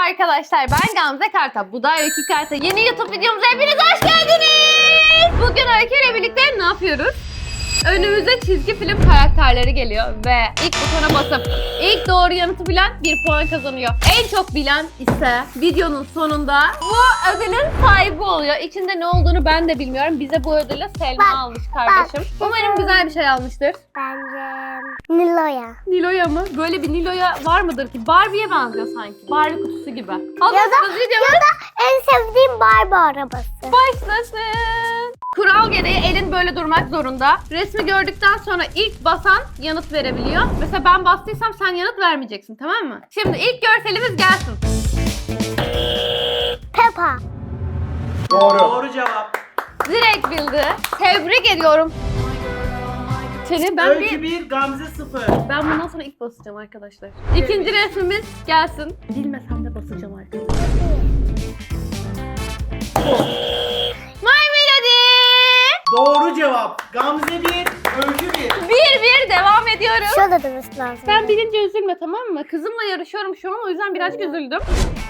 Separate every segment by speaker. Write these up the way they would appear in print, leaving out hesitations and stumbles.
Speaker 1: arkadaşlar, ben Gamze Karta. Bu da Öykü Karta. Yeni YouTube videomuza hepiniz hoş geldiniz. Bugün Öykü ile birlikte ne yapıyoruz? Önümüze çizgi film karakterleri geliyor ve ilk butona basıp ilk doğru yanıtı bilen 1 puan kazanıyor. En çok bilen ise videonun sonunda bu ödülün sahibi oluyor. İçinde ne olduğunu ben de bilmiyorum. Bize bu ödülü Selma almış kardeşim. Umarım güzel bir şey almıştır.
Speaker 2: Bence Nilo'ya.
Speaker 1: Nilo'ya mı? Böyle bir Nilo'ya var mıdır ki? Barbie'ye benziyor sanki. Barbie kutusu gibi.
Speaker 2: Ya
Speaker 1: Hazırsınız videomuz.
Speaker 2: da en sevdiğim Barbie arabası.
Speaker 1: Başlasın. Kural gereği elin böyle durmak zorunda. Resmi gördükten sonra ilk basan yanıt verebiliyor. Mesela ben bastıysam sen yanıt vermeyeceksin, tamam mı? Şimdi ilk görselimiz gelsin.
Speaker 2: Peppa.
Speaker 3: Doğru cevap.
Speaker 1: Direkt bildi. Tebrik ediyorum. Seni ben
Speaker 3: Öykü 1, Gamze 0.
Speaker 1: Ben bundan sonra ilk basacağım arkadaşlar. İkinci resmimiz gelsin. Bilmesem de basacağım arkadaşlar. My Melody.
Speaker 3: Doğru cevap. Gamze 1, Öykü 1.
Speaker 1: 1-1 devam ediyoruz.
Speaker 2: Şurada durması lazım.
Speaker 1: Sen bilince üzülme, tamam mı? Kızımla yarışıyorum şu an, o yüzden birazcık üzüldüm.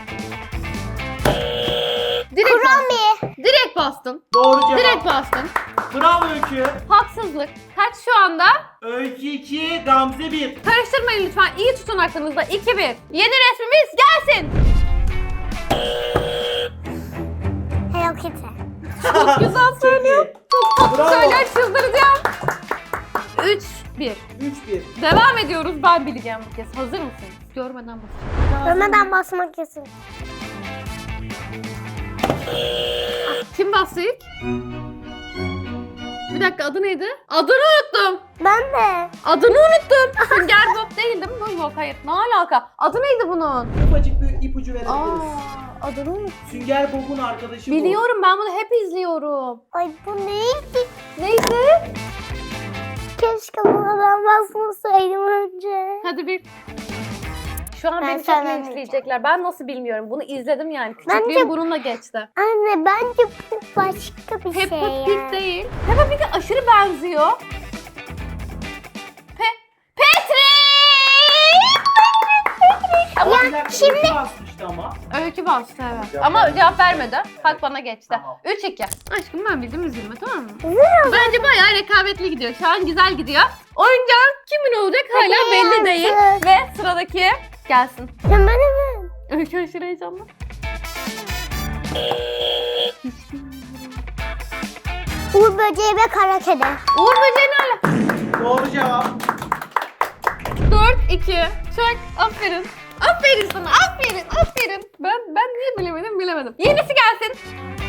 Speaker 1: Direkt bastın.
Speaker 2: Kurami.
Speaker 1: Direkt bastın.
Speaker 3: Doğru cevap.
Speaker 1: Direkt bastın.
Speaker 3: Bravo Öykü.
Speaker 1: Haksızlık. Kaç şu anda?
Speaker 3: Öykü 2, Gamze 1.
Speaker 1: Karıştırmayın lütfen. İyi tutun aklınızda. 2-1. Yeni resmimiz gelsin.
Speaker 2: Hello Kitty.
Speaker 1: Çok güzel söylüyor.
Speaker 3: Bravo.
Speaker 1: Söyle, çıldıracağım. 3-1.
Speaker 3: 3-1.
Speaker 1: Devam ediyoruz. Ben bileceğim bu kez. Hazır mısınız? Görmeden basın.
Speaker 2: Görmeden basmak kesin.
Speaker 1: Kim bastı ilk? Bir dakika, adı neydi? Adını unuttum.
Speaker 2: Ben de.
Speaker 1: Adını unuttum. Sünger Bob değil mi? Bu yok, hayır. Ne alaka? Adı neydi bunun?
Speaker 3: Ufacık bir ipucu verebiliriz.
Speaker 1: Adını unuttum.
Speaker 3: Sünger Bob'un arkadaşı
Speaker 1: Biliyorum, ben bunu hep izliyorum.
Speaker 2: Ay bu neydi?
Speaker 1: Neydi?
Speaker 2: Keşke buna ben basmasaydım önce.
Speaker 1: Hadi bir. Şu an
Speaker 2: Ben
Speaker 1: beni çok
Speaker 2: söylemeyeceğim.
Speaker 1: linçleyecekler. Ben nasıl bilmiyorum. Bunu izledim yani.
Speaker 2: Bence-
Speaker 1: Küçüklüğüm bununla geçti.
Speaker 2: Anne bence bu başka bir
Speaker 1: Peppa
Speaker 2: şey
Speaker 1: Pig
Speaker 2: ya.
Speaker 1: değil. Peppa Pig'e aşırı benziyor. Petri!
Speaker 3: bu.
Speaker 2: Ya
Speaker 3: Bir dakika,
Speaker 2: şimdi-
Speaker 3: Öykü basmıştı ama.
Speaker 1: Öykü bastı, evet.
Speaker 3: Cevap
Speaker 1: Ama
Speaker 3: vermedi.
Speaker 1: cevap vermedi. Hak bana geçti.
Speaker 3: Tamam.
Speaker 1: 3-2. Aşkım ben bildim, üzülme, tamam mı?
Speaker 2: Üzülüyorum.
Speaker 1: Bence bayağı rekabetli gidiyor. Şu an güzel gidiyor. Oyuncağın kimin olacak hala
Speaker 2: Hadi
Speaker 1: belli
Speaker 2: gelsin.
Speaker 1: değil. Ve sıradaki gelsin.
Speaker 2: Sen bana mı?
Speaker 1: Öykü aşırı heyecanlı.
Speaker 2: Uğur böceği ve kara kedi.
Speaker 1: Uğur böceği ne ala?
Speaker 3: Doğru cevap.
Speaker 1: 4-2. Çok aferin. Aferin sana, aferin. Ben niye bilemedim. Yenisi gelsin.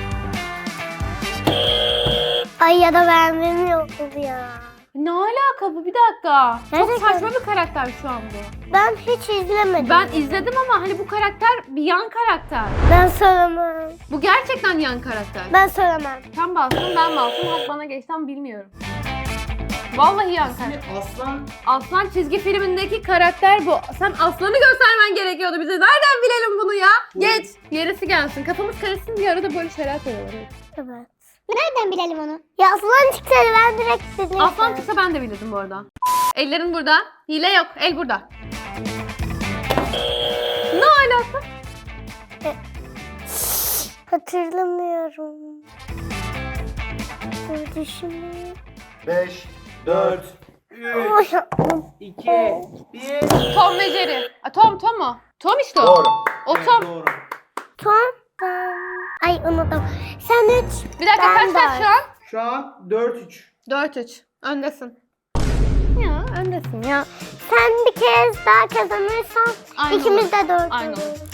Speaker 2: Ay ya da beğendiğim yoktu ya.
Speaker 1: Ne alaka bu? Bir dakika. Çok
Speaker 2: Gerçekten.
Speaker 1: saçma bir karakter şu an bu.
Speaker 2: Ben hiç izlemedim.
Speaker 1: Ben izledim ama hani bu karakter bir yan karakter.
Speaker 2: Ben söylemem.
Speaker 1: Bu gerçekten yan karakter.
Speaker 2: Ben söylemem.
Speaker 1: Sen bastın, ben bastım. Hak bana geçten bilmiyorum. Vallahi yan karakter.
Speaker 3: İsmi Aslan.
Speaker 1: Aslan çizgi filmindeki karakter bu. Sen Aslan'ı göstermen gerekiyordu bize. Nereden bilelim bunu ya? Geç. Yerisi gelsin. Kafamız karışsın diye arada böyle şeyler koyuyorlar.
Speaker 2: Evet. Nereden bilelim onu? Ya aslan çıksaydı ben direkt dedim.
Speaker 1: Aslan çıksa ben de bilirdim bu arada. Ellerin burada. Hile yok. El burada. Ne alaka?
Speaker 2: Hatırlamıyorum. Dur düşüneyim.
Speaker 3: 5, 4, 3,
Speaker 2: Oy,
Speaker 3: 2, 1.
Speaker 1: Tom ve Jerry. Tom mu? Tom işte o.
Speaker 3: Doğru.
Speaker 1: O
Speaker 3: Evet,
Speaker 1: Tom.
Speaker 3: doğru.
Speaker 2: Tom. Ay unuttum. Sen 3.
Speaker 1: Bir dakika, kaç kaç şu an?
Speaker 3: Şu an 4-3.
Speaker 1: 4-3. Öndesin. Ya öndesin ya.
Speaker 2: Sen bir kez daha kazanırsan
Speaker 1: Aynı
Speaker 2: ikimiz
Speaker 1: olur.
Speaker 2: de 4
Speaker 1: Aynı olur.
Speaker 2: oluruz.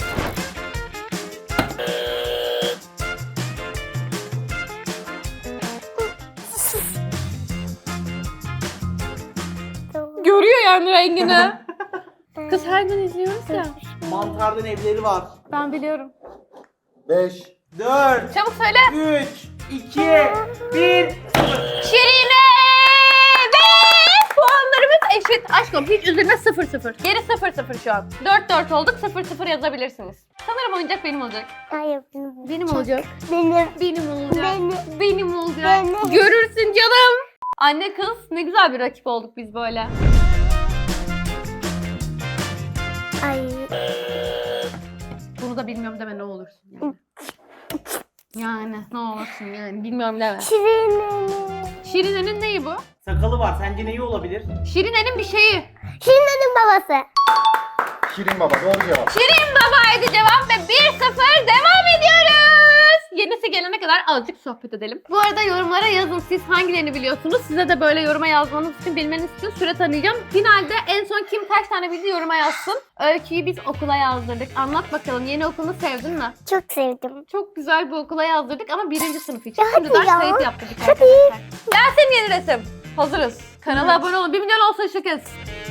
Speaker 1: Görüyor yani rengini. Kız her gün izliyoruz ya.
Speaker 3: Mantardan evleri var.
Speaker 1: Ben biliyorum.
Speaker 3: 5, 4,
Speaker 1: Çabuk söyle.
Speaker 3: 3, 2, 1.
Speaker 1: Şirine ve puanlarımız eşit. Aşkım hiç üzülme, 0-0. Geri 0-0 şu an. 4-4 olduk, 0-0 yazabilirsiniz. Sanırım oyuncak benim olacak.
Speaker 2: Hayır benim.
Speaker 1: Benim olacak.
Speaker 2: Benim.
Speaker 1: Benim olacak.
Speaker 2: Benim.
Speaker 1: Benim olacak.
Speaker 2: Benim.
Speaker 1: Görürsün canım. Anne kız ne güzel bir rakip olduk biz böyle.
Speaker 2: Ay.
Speaker 1: Bunu da da bilmiyorum deme ne olursun yani. Yani ne olursun yani bilmiyorum deme.
Speaker 2: Şirinenin.
Speaker 1: Şirine'nin neyi bu?
Speaker 3: Sakalı var. Sence neyi olabilir?
Speaker 1: Şirine'nin bir şeyi.
Speaker 2: Şirinenin babası.
Speaker 4: Şirin Baba doğru cevap.
Speaker 1: Şirin babaydı cevap ve 1-0 devam ediyoruz. Yenisi gelene kadar azıcık sohbet edelim. Bu arada yorumlara yazın siz hangilerini biliyorsunuz. Size de böyle yoruma yazmanız için, bilmeniz için süre tanıyacağım. Finalde en son kim kaç tane bildi yoruma yazsın. Öykü'yü biz okula yazdırdık. Anlat bakalım, yeni okulunu sevdin mi?
Speaker 2: Çok sevdim.
Speaker 1: Çok güzel bir okula yazdırdık ama 1. sınıf için.
Speaker 2: Ya hadi
Speaker 1: Şimdiden
Speaker 2: ya.
Speaker 1: kayıt yaptırdık
Speaker 2: Hadi.
Speaker 1: arkadaşlar. Gelsin yeni resim. Hazırız. Kanala abone olun. 1 milyon olsun şu kez.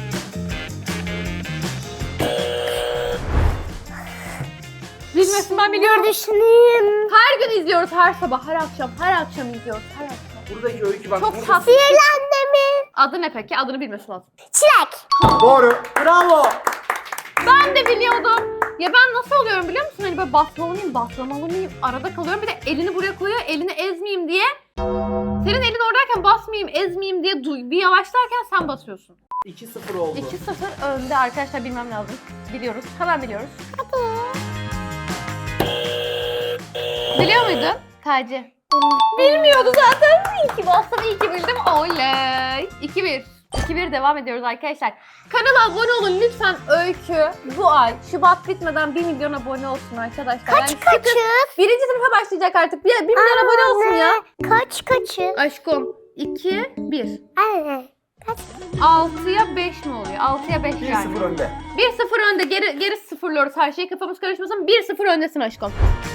Speaker 1: Bilmesin ben biliyorum.
Speaker 2: Düşüneyim.
Speaker 1: Her gün izliyoruz, her sabah, her akşam izliyoruz, her akşam.
Speaker 3: Buradaki öykü bak.
Speaker 1: Çok
Speaker 3: burada-
Speaker 1: tatlı.
Speaker 2: Sihirli mi?
Speaker 1: Adı ne peki? Adını bilmesi lazım.
Speaker 2: Çilek.
Speaker 4: Doğru.
Speaker 3: Bravo.
Speaker 1: Ben de biliyordum. Ya ben nasıl oluyorum biliyor musun? Hani böyle baslamalı mıyım? Arada kalıyorum. Bir de elini buraya koyuyor, elini ezmeyeyim diye. Senin elin oradayken basmayayım, ezmeyeyim diye bir yavaşlarken sen basıyorsun.
Speaker 3: 2-0 oldu.
Speaker 1: 2-0 önde arkadaşlar, bilmem lazım. Biliyoruz, hemen biliyoruz. Biliyor muydun? Taci. Bilmiyordu zaten. İyi ki bastım, iyi ki bildim. Oley. 2-1. 2-1 devam ediyoruz arkadaşlar. Kanala abone olun lütfen Öykü. Bu ay Şubat bitmeden 1 milyon abone olsun arkadaşlar.
Speaker 2: Kaçız?
Speaker 1: 1. sınıfa başlayacak artık. 1 milyon abone olsun ya.
Speaker 2: Kaçız?
Speaker 1: Aşkım 2, 1.
Speaker 2: Anne. Kaç?
Speaker 1: 6'ya 5 mi oluyor? 6'ya 5 yani.
Speaker 4: 1-0 önde.
Speaker 1: 1-0 önde. Geri sıfırlıyoruz her şeyi. Kafamız karışmasın. 1-0 öndesin aşkım.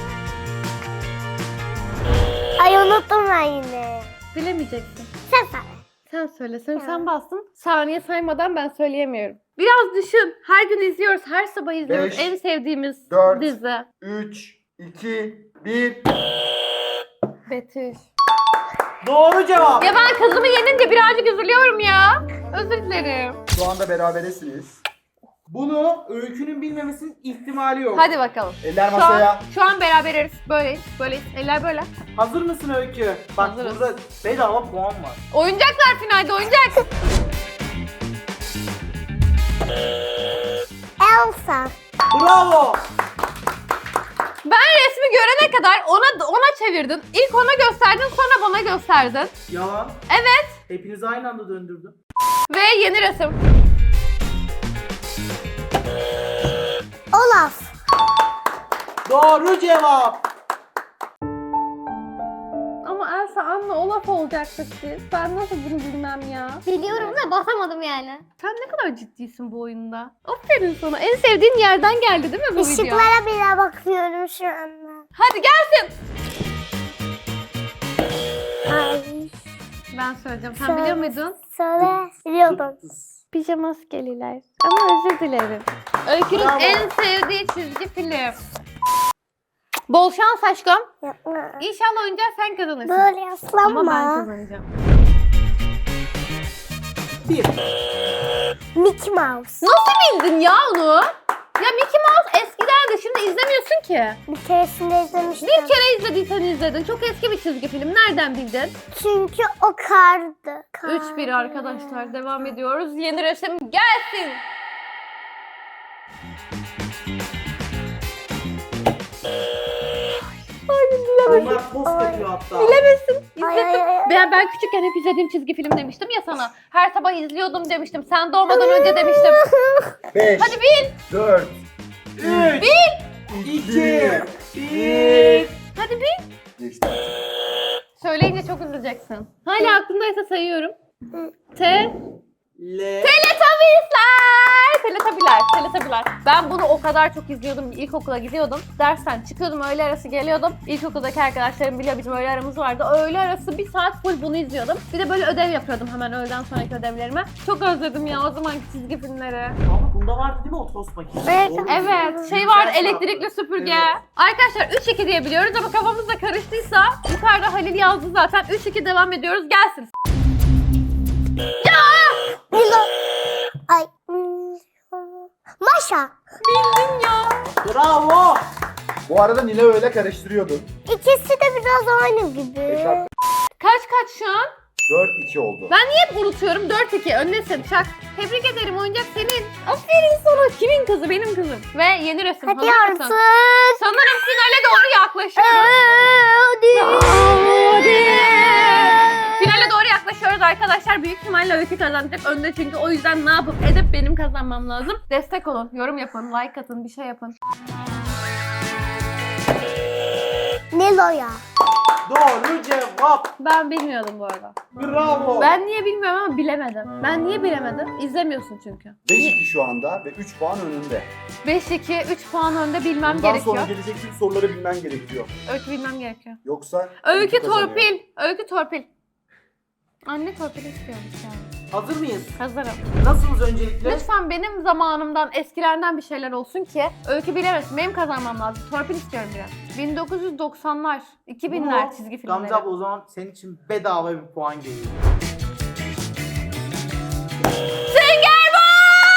Speaker 2: Ay unuttum ben yine.
Speaker 1: Bilemeyeceksin.
Speaker 2: Sen söyle.
Speaker 1: Sen söyle. Sen,
Speaker 2: Ya.
Speaker 1: sen bastın. Saniye saymadan ben söyleyemiyorum. Biraz düşün. Her gün izliyoruz. Her sabah izliyoruz.
Speaker 4: 5,
Speaker 1: en sevdiğimiz
Speaker 4: 4.
Speaker 1: dizi.
Speaker 4: 3, 2, 1.
Speaker 1: Betüş.
Speaker 3: Doğru cevap.
Speaker 1: Ya ben kızımı yenince birazcık üzülüyorum ya. Özür dilerim.
Speaker 4: Şu anda beraberesiniz.
Speaker 3: Bunu öykünün bilmemesinin ihtimali yok.
Speaker 1: Hadi bakalım.
Speaker 4: Eller
Speaker 1: Şu an,
Speaker 4: masaya.
Speaker 1: şu an beraberiz. Böyleyiz. Böyleyiz. Eller böyle.
Speaker 3: Hazır mısın öykü? Bak
Speaker 1: Hazırız.
Speaker 3: burada bedava puan var.
Speaker 1: Oyuncaklar finalde oyuncak.
Speaker 2: Elsa.
Speaker 3: Bravo.
Speaker 1: Ben resmi görene kadar ona çevirdin. İlk ona gösterdin, sonra bana gösterdin.
Speaker 3: Yalan.
Speaker 1: Evet.
Speaker 3: Hepinizi aynı anda döndürdüm.
Speaker 1: Ve yeni resim.
Speaker 2: Olaf.
Speaker 3: Doğru cevap.
Speaker 1: Ama Elsa, Anna, Olaf olacaktık biz. Ben nasıl bunu bilmem ya?
Speaker 2: Biliyorum da basamadım yani.
Speaker 1: Sen ne kadar ciddisin bu oyunda. Aferin sana. En sevdiğin yerden geldi değil mi bu video?
Speaker 2: Işıklara bile bakıyorum şu anda.
Speaker 1: Hadi gelsin.
Speaker 2: Ay.
Speaker 1: Ben söyleyeceğim. Sen
Speaker 2: Söyle.
Speaker 1: biliyor muydun?
Speaker 2: Söyle. Biliyordum.
Speaker 1: Pijama maskeliler. Ama özür dilerim. Öykünün
Speaker 3: Bravo.
Speaker 1: en sevdiği çizgi film. Bol şans aşkım.
Speaker 2: Yapma.
Speaker 1: İnşallah oyuncağı sen kazanırsın.
Speaker 2: Böyle
Speaker 1: Ama ben
Speaker 2: yaslanma.
Speaker 1: kazanacağım.
Speaker 3: 1.
Speaker 2: Mickey Mouse.
Speaker 1: Nasıl bildin ya onu? Ya Mickey Mouse eskilerdi. Şimdi izlemiyorsun ki.
Speaker 2: Bir keresinde izlemiştim.
Speaker 1: Bir kere izlediysen izledin. Çok eski bir çizgi film. Nereden bildin?
Speaker 2: Çünkü o kardı.
Speaker 1: 3-1 arkadaşlar. Devam ediyoruz. Yeni resim gelsin.
Speaker 3: Onlar post yapıyor hatta.
Speaker 1: Bilemesin.
Speaker 2: Ay,
Speaker 1: İzledim.
Speaker 2: ay, ay.
Speaker 1: Ben küçükken hep izlediğim çizgi film demiştim ya sana. Her sabah izliyordum demiştim. Sen doğmadan önce demiştim.
Speaker 4: 5,
Speaker 1: Hadi bil.
Speaker 4: 4,
Speaker 3: 3. 2. 1.
Speaker 1: Hadi bil.
Speaker 4: Geçti.
Speaker 1: Söyleyince çok üzüleceksin. Hala aklındaysa sayıyorum. T.
Speaker 3: L.
Speaker 1: Teletabiler. Ben bunu o kadar çok izliyordum. İlkokula gidiyordum. Dersten çıkıyordum. Öğle arası geliyordum. İlkokuldaki arkadaşlarım biliyor, bizim öğle aramız vardı. Öğle arası 1 saat full bunu izliyordum. Bir de böyle ödev yapıyordum hemen öğleden sonraki ödevlerime. Çok özledim ya o zamanki çizgi filmleri.
Speaker 3: Ama bunda vardı değil mi o tost makinesi?
Speaker 2: Evet,
Speaker 3: Doğru mu?
Speaker 1: Evet, şey var,
Speaker 3: Güzel
Speaker 1: elektrikli süpürge.
Speaker 3: Evet.
Speaker 1: Arkadaşlar 3-2 diye biliyoruz ama kafamızda karıştıysa yukarıda Halil yazdı zaten. 3-2 devam ediyoruz. Gelsin.
Speaker 2: Milo. Ay. Maşa.
Speaker 1: Bildin ya.
Speaker 3: Bravo.
Speaker 4: Bu arada Nile öyle karıştırıyordun.
Speaker 2: İkisi de biraz aynı gibi.
Speaker 4: 5 artı
Speaker 1: Kaç şu an?
Speaker 4: 4-2 oldu.
Speaker 1: Ben niye hep unutuyorum? 4-2 öndesin. Çak. Tebrik ederim, oyuncak senin. Aferin sana. Kimin kızı, benim kızım. Ve yeni resim.
Speaker 2: Hadi
Speaker 1: Hazır mısın?
Speaker 2: artık.
Speaker 1: Sanırım finale doğru yaklaşıyoruz. Finale doğru yaklaşıyoruz arkadaşlar. Büyük ihtimalle Öykü kazanacak önde çünkü o yüzden ne yapıp edip benim kazanmam lazım. Destek olun, yorum yapın, like atın, bir şey yapın.
Speaker 2: Nilo ya.
Speaker 3: Doğru cevap.
Speaker 1: Ben bilmiyordum bu arada.
Speaker 3: Bravo.
Speaker 1: Ben niye bilmiyorum ama bilemedim. Ben niye bilemedim? İzlemiyorsun çünkü.
Speaker 4: 5-2 şu anda ve 3 puan önünde.
Speaker 1: 5-2, 3 puan önde bilmem
Speaker 4: Bundan
Speaker 1: gerekiyor.
Speaker 4: sonra gelecek tüm soruları bilmen gerekiyor.
Speaker 1: Öykü bilmem gerekiyor.
Speaker 4: Yoksa
Speaker 1: Öykü
Speaker 4: kazanıyor.
Speaker 1: torpil. Öykü torpil. Anne torpil istiyormuş yani.
Speaker 3: Hazır mıyız?
Speaker 1: Hazırım.
Speaker 3: Nasılsınız öncelikle?
Speaker 1: Lütfen benim zamanımdan, eskilerden bir şeyler olsun ki Öykü bilemesin. Benim kazanmam lazım. Torpil istiyorum biraz. 1990'lar, 2000'ler çizgi filmleri.
Speaker 3: Gamze abla o zaman senin için bedava bir puan geliyor.
Speaker 1: Sünger Bob!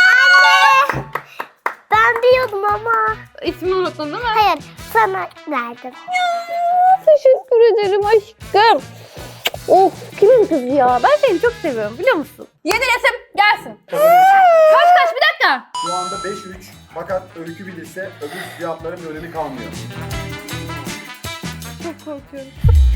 Speaker 2: Ben biliyordum ama.
Speaker 1: İsmini unuttun değil mi?
Speaker 2: Hayır, sana verdim.
Speaker 1: Teşekkür ederim aşkım. Of, kimin kızı ya? Ben seni çok seviyorum biliyor musun? Yeni resim gelsin. Kaç bir dakika.
Speaker 4: Şu anda 5-3. Fakat Öykü bilirse öbür cevapların bir önemi kalmıyor.
Speaker 1: Çok korkuyorum.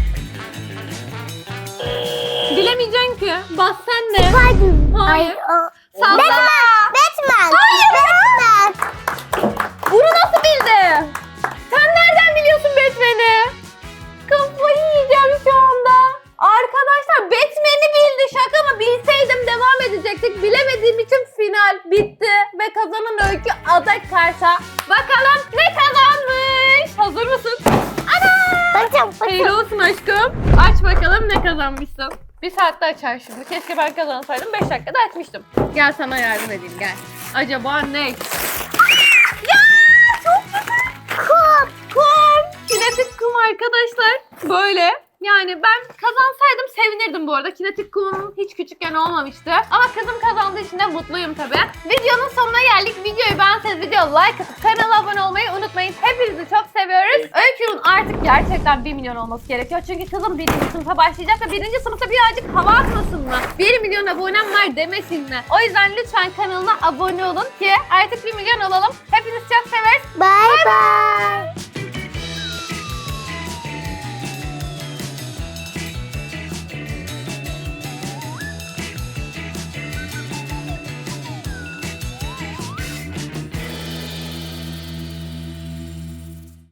Speaker 1: Bilemeyeceksin ki. Bas sen de.
Speaker 2: Spiderman.
Speaker 1: Hayır.
Speaker 2: Ay, o.
Speaker 1: Salla.
Speaker 2: Batman. Batman.
Speaker 1: Bunu nasıl bildi? Sen nereden biliyorsun Batman'i? Kafayı yiyeceğim şu anda. Arkadaşlar Batman'i bildi. Şaka mı? Bilseydim devam edecektik. Bilemediğim için final bitti. Ve kazanan Öykü aday karşı. Bakalım ne kazanmış? Hazır mısın?
Speaker 2: Bakacağım.
Speaker 1: Hayırlı olsun aşkım. Aç bakalım ne kazanmışsın. Bir saatte açar şimdi. Keşke ben kazansaydım. 5 dakikada açmıştım. Gel sana yardım edeyim gel. Acaba ne? Ya çok güzel. Kum. Kum. Kinetik kum arkadaşlar. Böyle. Yani ben kazansaydım sevinirdim bu arada. Kinetik kumum hiç küçükken olmamıştı. Ama kızım kazandığı için de mutluyum tabii. Videonun sonuna geldik. Videoyu beğenseniz videoya like atıp kanala abone olmayı unutmayın. Hepinizi çok seviyoruz. Öykü'nün artık gerçekten 1 milyon olması gerekiyor. Çünkü kızım 1. sınıfa başlayacak ve 1. sınıfta birazcık hava atmasın mı? 1 milyon abonem var demesin mi? O yüzden lütfen kanalına abone olun ki artık 1 milyon olalım. Hepinizi çok severiz.
Speaker 2: Bye bye.